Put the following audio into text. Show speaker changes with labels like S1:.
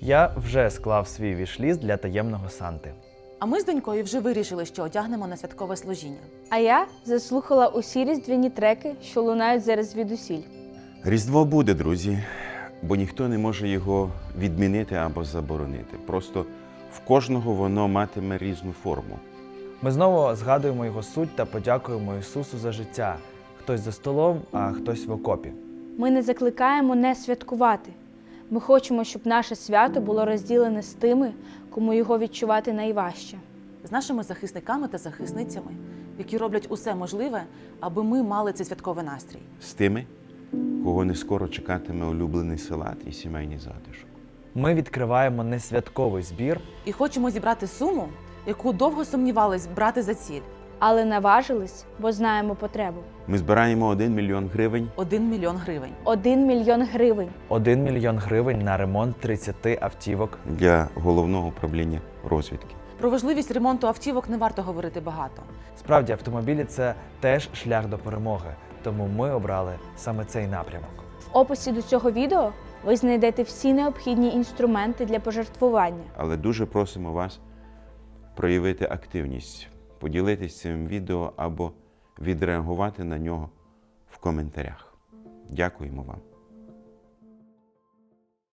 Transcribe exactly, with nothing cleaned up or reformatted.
S1: Я вже склав свій віш-ліст для таємного Санти.
S2: А ми з донькою вже вирішили, що одягнемо на святкове служіння.
S3: А я заслухала усі різдвяні треки, що лунають зараз звідусіль.
S4: Різдво буде, друзі, бо ніхто не може його відмінити або заборонити. Просто в кожного воно матиме різну форму.
S1: Ми знову згадуємо його суть та подякуємо Ісусу за життя. Хтось за столом, а хтось в окопі.
S3: Ми не закликаємо не святкувати. Ми хочемо, щоб наше свято було розділене з тими, кому його відчувати найважче.
S2: З нашими захисниками та захисницями, які роблять усе можливе, аби ми мали цей святковий настрій.
S4: З тими, кого не скоро чекатиме улюблений салат і сімейний затишок.
S1: Ми відкриваємо несвятковий збір.
S2: І хочемо зібрати суму, яку довго сумнівались брати за ціль.
S3: Але наважились, бо знаємо потребу.
S4: Ми збираємо один мільйон гривень.
S2: Один мільйон гривень.
S3: Один мільйон гривень.
S1: Один мільйон гривень на ремонт тридцяти автівок.
S4: Для головного управління розвідки.
S2: Про важливість ремонту автівок не варто говорити багато.
S1: Справді, автомобілі – це теж шлях до перемоги. Тому ми обрали саме цей напрямок.
S3: В описі до цього відео ви знайдете всі необхідні інструменти для пожертвування.
S4: Але дуже просимо вас проявити активність, поділитись цим відео або відреагувати на нього в коментарях. Дякуємо вам.